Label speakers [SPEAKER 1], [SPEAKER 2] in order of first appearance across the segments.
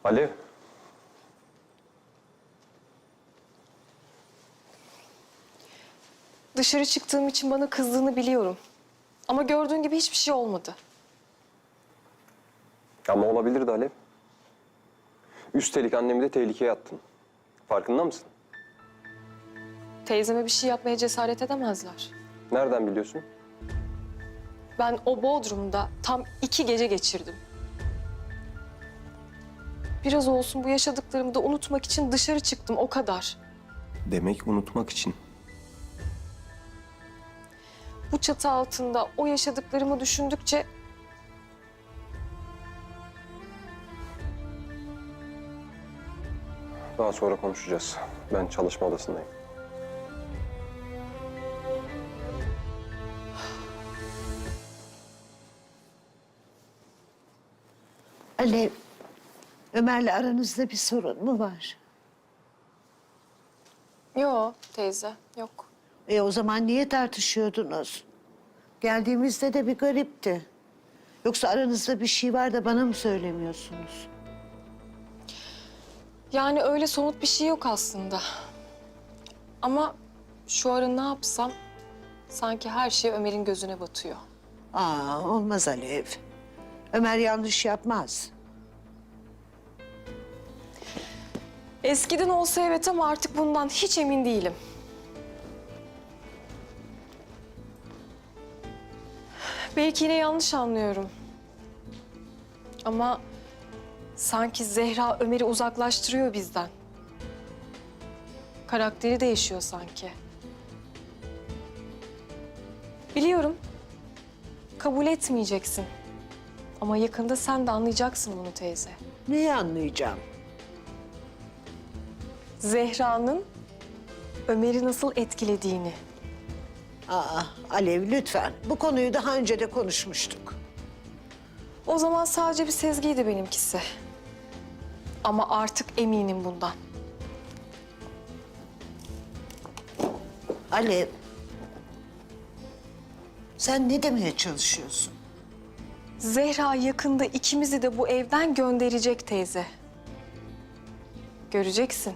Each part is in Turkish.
[SPEAKER 1] Alev.
[SPEAKER 2] Dışarı çıktığım için bana kızdığını biliyorum. Ama gördüğün gibi hiçbir şey olmadı.
[SPEAKER 1] Ama olabilirdi Alev. Üstelik annemi de tehlikeye attın. Farkında mısın?
[SPEAKER 2] Teyzeme bir şey yapmaya cesaret edemezler.
[SPEAKER 1] Nereden biliyorsun?
[SPEAKER 2] Ben o Bodrum'da tam 2 gece geçirdim. Biraz olsun bu yaşadıklarımı da unutmak için dışarı çıktım, o kadar.
[SPEAKER 1] Demek unutmak için.
[SPEAKER 2] Bu çatı altında o yaşadıklarımı düşündükçe...
[SPEAKER 1] Daha sonra konuşacağız. Ben çalışma odasındayım.
[SPEAKER 3] Alev, Ömer'le aranızda bir sorun mu var?
[SPEAKER 2] Yok teyze, yok.
[SPEAKER 3] O zaman niye tartışıyordunuz? Geldiğimizde de bir garipti. Yoksa aranızda bir şey var da bana mı söylemiyorsunuz?
[SPEAKER 2] Yani öyle somut bir şey yok aslında. Ama şu ara ne yapsam sanki her şey Ömer'in gözüne batıyor.
[SPEAKER 3] Olmaz Alev. Ömer yanlış yapmaz.
[SPEAKER 2] Eskiden olsa evet ama artık bundan hiç emin değilim. Belki yine yanlış anlıyorum. Ama sanki Zehra Ömer'i uzaklaştırıyor bizden. Karakteri değişiyor sanki. Biliyorum. Kabul etmeyeceksin. Ama yakında sen de anlayacaksın bunu teyze.
[SPEAKER 3] Neyi anlayacağım?
[SPEAKER 2] Zehra'nın Ömer'i nasıl etkilediğini.
[SPEAKER 3] Alev lütfen. Bu konuyu daha önce de konuşmuştuk.
[SPEAKER 2] O zaman sadece bir sezgiydi benimkisi. Ama artık eminim bundan.
[SPEAKER 3] Alev, sen ne demeye çalışıyorsun?
[SPEAKER 2] Zehra yakında ikimizi de bu evden gönderecek teyze. Göreceksin.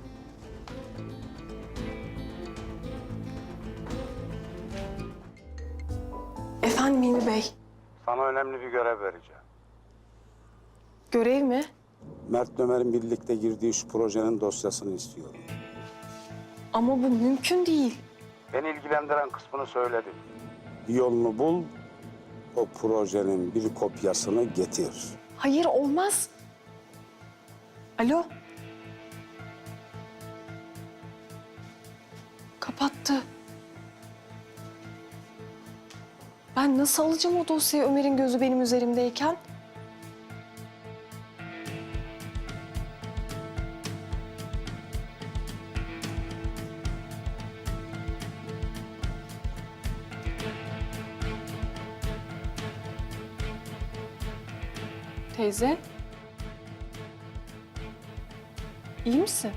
[SPEAKER 2] Efendim Hilmi Bey,
[SPEAKER 4] Sana önemli bir görev vereceğim.
[SPEAKER 2] görev mi?
[SPEAKER 4] Mert Ömer'in birlikte girdiği şu projenin dosyasını istiyorum.
[SPEAKER 2] Ama bu mümkün değil.
[SPEAKER 4] Beni ilgilendiren kısmını söyledim. Bir yolunu bul, o projenin bir kopyasını getir.
[SPEAKER 2] Hayır, olmaz. Alo? Kapattı. Ben nasıl alacağım o dosyayı Ömer'in gözü benim üzerimdeyken? Teyze? İyi misin?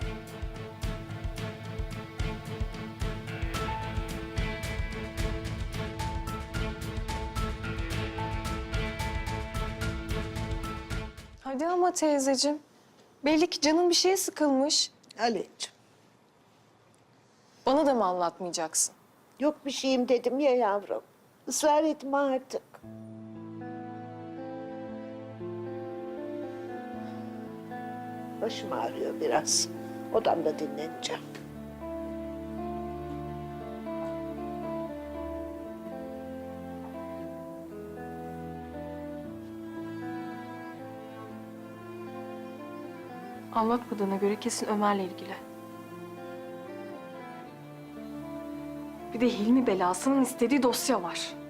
[SPEAKER 2] Hadi ama teyzeciğim. Belli ki canın bir şeye sıkılmış.
[SPEAKER 3] Alevciğim,
[SPEAKER 2] Bana da mı anlatmayacaksın?
[SPEAKER 3] yok bir şeyim dedim ya yavrum. Israr etme artık. Başım ağrıyor biraz. Odamda dinleneceğim.
[SPEAKER 2] Anlatmadığına göre kesin Ömer'le ilgili. Bir de Hilmi belasının istediği dosya var.